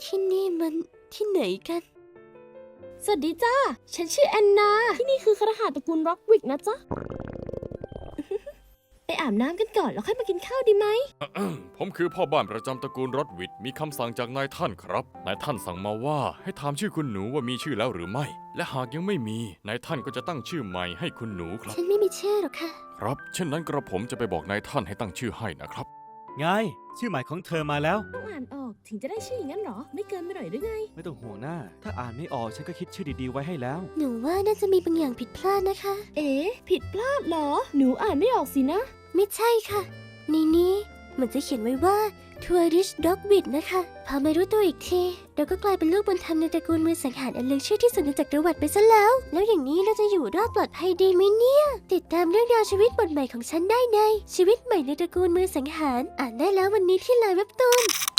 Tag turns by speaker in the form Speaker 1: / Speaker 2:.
Speaker 1: ที่นี่มันที่ไหนกัน
Speaker 2: สวัสดีจ้าฉันชื่อแอนนาที่นี่คือคฤหาสน์ตระกูลร็อกวิกนะจ๊ะ ไปอาบน้ำกันก่อนแล้วค่อยมากินข้าวดีไหม
Speaker 3: ผมคือพ่อบ้านประจำตระกูลรอดวิดมีคำสั่งจากนายท่านครับนายท่านสั่งมาว่าให้ถามชื่อคุณหนูว่ามีชื่อแล้วหรือไม่และหากยังไม่มีนายท่านก็จะตั้งชื่อใหม่ให้คุณหนูครับ
Speaker 1: ฉันไม่มีชื่อหรอกค่ะ
Speaker 3: ครับเช่นนั้นกระผมจะไปบอกนายท่านให้ตั้งชื่อให้นะครับ
Speaker 4: ไงชื่อใหม่ของเธอมาแล้ว
Speaker 2: ต้องอ่านออกถึงจะได้ชื่ออย่างนั้นเหรอไม่เกินไปหน่อยหรือไง
Speaker 4: ไม่ต้องห่วงหน้าถ้าอ่านไม่ออกฉันก็คิดชื่อดีๆไว้ให้แล้ว
Speaker 1: หนูว่าน่าจะมีบางอย่างผิดพลาดนะคะ
Speaker 2: เอ๊ะผิดพลาดเหรอหนูอ่านไม่ออกสินะ
Speaker 1: ไม่ใช่ค่ะในนี้เหมือนจะเขียนไว้ว่า Tourist Dog w i t นะคะพอมารู้ตัวอีกทีเราก็กลายเป็นลูกบุญธรรมในตระกูลมือสังหารอันเลือชื่อที่สุดในจักรวรรดิไปซะแล้วอย่างนี้เราจะอยู่รอดปลอดภัยดีไหมเนี่ยติดตามเรื่องราวชีวิตบทใหม่ของฉันได้ในชีวิตใหม่ในตระกูลมือสังหารอ่านได้แล้ววันนี้ที่ไลน์เว็บตูน